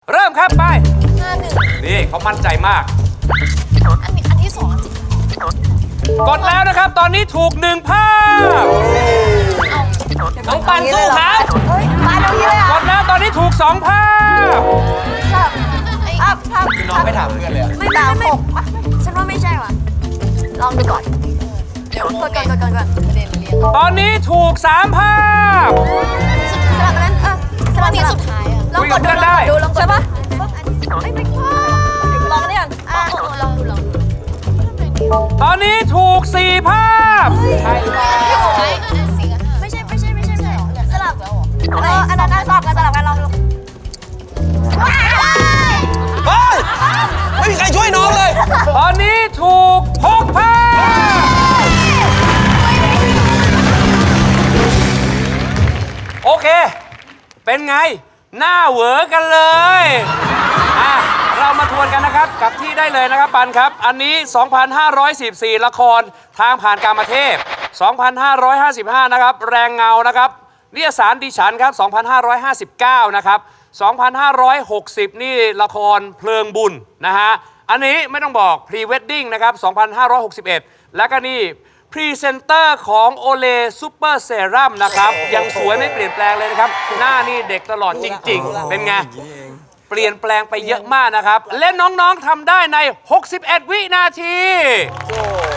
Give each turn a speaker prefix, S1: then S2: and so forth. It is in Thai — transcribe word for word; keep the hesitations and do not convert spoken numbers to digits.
S1: เริ่มครับไป
S2: ห้าหนึ่ง
S1: นี่เขามั่นใจมาก
S2: อันนี้อันที่สอง
S1: กดแล้วนะครับ ตอนนี้ถูกหนึ่งภาพ
S3: น้องปันสู้ครับ
S2: เฮ้ยมาตรงนี้เลยอ่ะ
S1: กดแล้วตอนนี้ถูกสองภาพ
S2: ภาพภาพ
S3: คือน้องไม่ถามเพื่อนเลยอะ
S2: ไม่ไม่ไม่ฉันว่าไม่ใช่ว่ะลองดูก่อนเดี๋ยวกดก่อนกดก่อนก่อนประเด็นเรียง
S1: ตอนนี้ถูกสามภาพ
S2: สลับนั้นเออสลับนี้สุดท้ายอ่ะลองกดดูลองกดดูลองกดใช่ปะไม่ไม่ลองนี่ก่อนอ่ะลองดูลองดู
S1: ตอนนี้ถูกสี่ภาพ
S3: ใช่หรือเปล่า
S2: ไม่ใช่ไม่ใช่ไม่ใช่ไม่ใช่สลับแล้วเหรออันนั้นสลับกันสลับกันลองดู
S3: เฮ้ยไม่มีใครช่วยน้องเลย
S1: ตอนนี้ถูกหกภาพ โอเค เป็นไง หน้าเหวอกันเลยอ่ะเรามาทวนกันนะครับ กับที่ได้เลยนะครับปันครับ อันนี้ สองพันห้าร้อยสิบสี่ ละครทางผ่านกามเทพ สองพันห้าร้อยห้าสิบห้า นะครับ แรงเงา นะครับนิยสารดิฉันครับ สองพันห้าร้อยห้าสิบเก้า นะครับ สองพันห้าร้อยหกสิบ นี่ละครเพลิงบุญนะฮะ อันนี้ไม่ต้องบอก พรีเวดดิ้ง นะครับ สองพันห้าร้อยหกสิบเอ็ด แล้วก็นี่ พรีเซนเตอร์ของโอเลซูเปอร์เซรั่มนะครับ ยังสวยไม่เปลี่ยนแปลงเลยนะครับ หน้านี่เด็กตลอดจริง ๆ เป็นไง เปลี่ยนแปลงไปเยอะมากนะครับ และน้อง ๆทำได้ใน หกสิบเอ็ด วินาที